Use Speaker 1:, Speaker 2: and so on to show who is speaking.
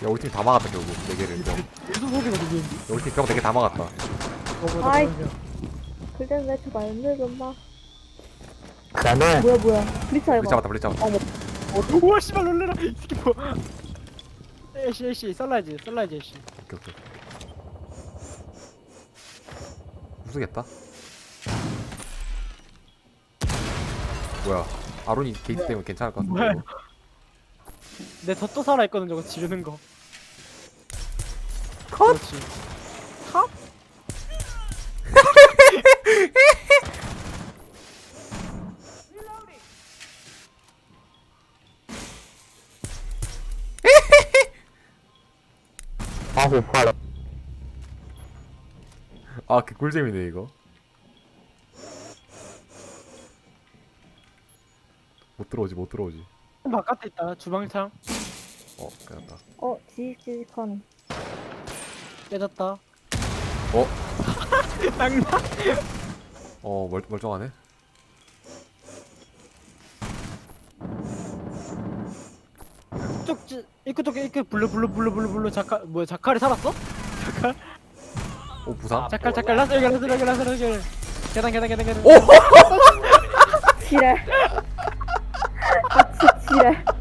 Speaker 1: 우리 팀 다 막았다 결국 4개를 병.
Speaker 2: 계속 소리가 들리는데.
Speaker 1: 우리 팀 병 4개 다 막았다.
Speaker 3: 아이. 글쎄 왜 저거 안 늘었나?
Speaker 4: 나는
Speaker 3: 뭐야? 블리츠
Speaker 1: 블리
Speaker 3: 해봐.
Speaker 1: 잡았다 블리 잡았다.
Speaker 2: 우와 씨발 놀래라. 이 새끼 뭐. 애쉬 썰라이즈 애쉬.
Speaker 1: 오케이 오케이. 무서겠다. 뭐야? 아론이 게이트 때문에 괜찮을 것 같은데.
Speaker 2: 뭐야?
Speaker 1: 이거.
Speaker 2: 내 덧도 살아있거든 저거 지르는 거.
Speaker 3: 컷!
Speaker 2: 그렇지. 컷?
Speaker 4: 아 배고파라.
Speaker 1: 아, 그 꿀잼이네 이거. 못 들어오지 못 들어오지.
Speaker 2: 바깥에 있다 주방창.
Speaker 1: 끝났다.
Speaker 3: 지직지직한.
Speaker 2: 깨졌다.
Speaker 1: 어?
Speaker 2: 장난.
Speaker 1: 멀쩡하네.
Speaker 2: 쪽 입구 쪽에 입구 블루 자칼이 살았어? 자칼
Speaker 1: 부상?
Speaker 2: 자칼 라스 여기 계단
Speaker 1: 오!
Speaker 3: 지랄. 진짜 지랄.